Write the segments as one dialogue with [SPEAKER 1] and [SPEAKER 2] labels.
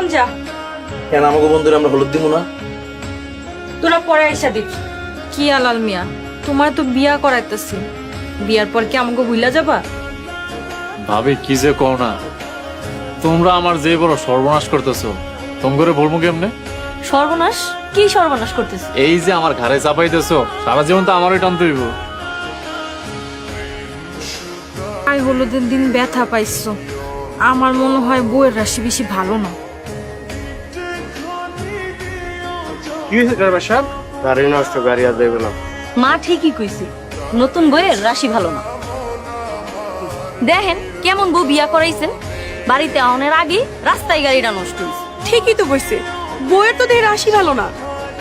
[SPEAKER 1] এখন যা।
[SPEAKER 2] কেন আমাকে বন্ধুরা আমরা হলুদ দিব না?
[SPEAKER 1] তোরা পরে আইসা দিবি। কি আলাল মিয়া, তোমার তো বিয়া করাইতেছি, বিয়ার পর কি আমাকে ভুলা যাবা?
[SPEAKER 3] ভাবি কি যে কও না, তোমরা আমার যে বড় সর্বনাশ করতেছো, তোম করে বলবো কেমনে?
[SPEAKER 1] সর্বনাশ? কি সর্বনাশ করতেছ?
[SPEAKER 3] এই যে আমার ঘাড়ে চাপাইতেছো, সারা জীবন তো আমারই টানতে হইব।
[SPEAKER 1] আই হলুদের দিন ব্যথা পাইছো, আমার মনে হয় বউয়ের রাশি বেশি ভালো না।
[SPEAKER 4] কি হয়েছে ড্রাইভার সাহেব? গাড়ি নষ্ট, গাড়ি আর দেবে না।
[SPEAKER 5] মা ঠিকই কইছে, নতুন বইয়ের রাশি ভালো না। দেখেন কেমন বউ বিয়া করাইছেন, বাড়িতে আউনের আগে রাস্তায় গাড়িটা নষ্ট হয়েছে।
[SPEAKER 6] ঠিকই তো বলছে, বইয়ের তো দেহের রাশি ভালো না।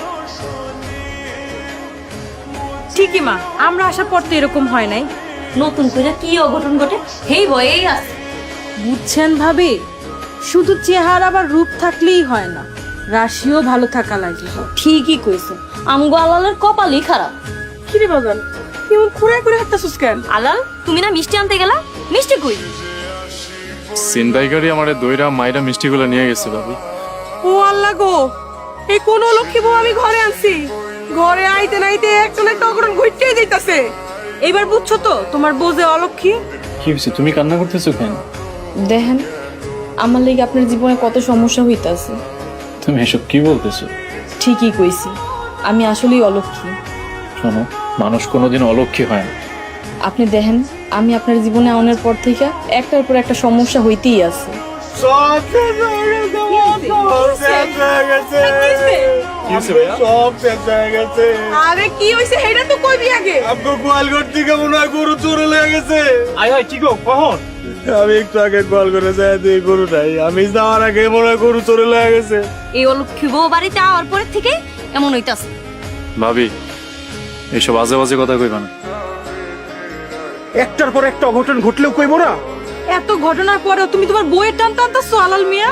[SPEAKER 1] ঠিকই মা, আমরা আসার পর তো এরকম হয় নাই।
[SPEAKER 5] নতুন করে কি অঘটন ঘটে সেই ভয়েই আছে।
[SPEAKER 1] বুঝছেন ভাবি, শুধু চেহারা বা রূপ থাকলেই হয় না, রাশিও ভালো থাকা লাগে।
[SPEAKER 5] ঠিকই কইছে, আমগো আলালের কপালই খারাপ।
[SPEAKER 6] কিরে বাজান, কেমন খুঁড়ায় করে হাঁটতেছিস কেন?
[SPEAKER 5] আলাল, তুমি না মিষ্টি আনতে গেলা, মিষ্টি কই?
[SPEAKER 3] চিন্তাই গাড়ি আমার দইরা মাইরা মিষ্টিগুলো নিয়ে গেছে ভাবি।
[SPEAKER 6] ও আল্লাহ গো, এই কোন লক্ষ্মী বউ আমি ঘরে আনছি, ঘরে আইতে নাইতে একটা না একটা অঘটন ঘটেই যাইতাছে।
[SPEAKER 1] এবার বুঝছো তো তোমার বউ যে অলক্ষী?
[SPEAKER 3] কি হয়েছে, তুমি কান্না করতেছো কেন?
[SPEAKER 7] দেখেন, আমার লেগে আপনার জীবনে কত সমস্যা হইতাছে।
[SPEAKER 3] তুমি এসব কি বলতেছো?
[SPEAKER 7] ঠিকই কইছি, আমি আসলেই অলক্ষী।
[SPEAKER 3] শোনো, মানুষ কোনোদিন অলক্ষী হয় না।
[SPEAKER 7] আপনি দেখেন, আমি আপনার জীবনে আনার পর থেকে একটার পর একটা সমস্যা হইতেই আছে।
[SPEAKER 4] সব শেষ হয়ে গেছে, সব শেষ হয়ে গেছে,
[SPEAKER 3] কি হয়েছে ভাইয়া?
[SPEAKER 4] সব শেষ হয়ে গেছে।
[SPEAKER 6] আরে কি হইছে সেটা তো কইবি আগে।
[SPEAKER 4] আপনার গোয়ালঘর থেকে মনে হয় গরু চোরে লেগে গেছে।
[SPEAKER 3] আয় কি গো, কখন?
[SPEAKER 4] আমি একটু আগে কল করে যাই দিয়ে গরু নাই, আমি যাওয়ার আগে মনে হয় গরু চোরে লেগে গেছে।
[SPEAKER 5] এই অলক্ষী বউ বাড়িতে আওয়ার পরের থেকে এমন হইতাছে।
[SPEAKER 3] ভাবি, এইসব আজে বাজে কথা কইবা না।
[SPEAKER 4] একটার পর একটা অঘটন ঘটলেও কইবো না?
[SPEAKER 1] এত ঘটনার পরেও তুমি তোমার বউয়ের টান টানতেছো আলাল মিয়া?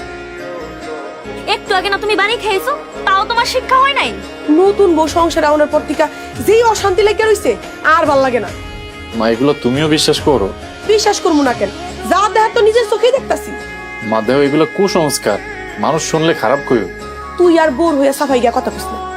[SPEAKER 5] একটু আগে না তুমি বাড়ি খেয়েছো, তাও তোমার শিক্ষা হয় নাই?
[SPEAKER 6] নতুন বউ সংসারে আনার পর থেকে যেই অশান্তি লেগে রইছে, আর ভাল লাগে না।
[SPEAKER 3] মা, এগুলো তুমিও বিশ্বাস করো?
[SPEAKER 6] বিশ্বাস করবো না কেন, যা দেখা তো নিজের চোখেই দেখতাছি।
[SPEAKER 3] মা দেহ, এগুলো কুসংস্কার, মানুষ শুনলে খারাপ কইও।
[SPEAKER 6] তুই আর বোর হইয়া সাফাই গিয়া কথা কইস না।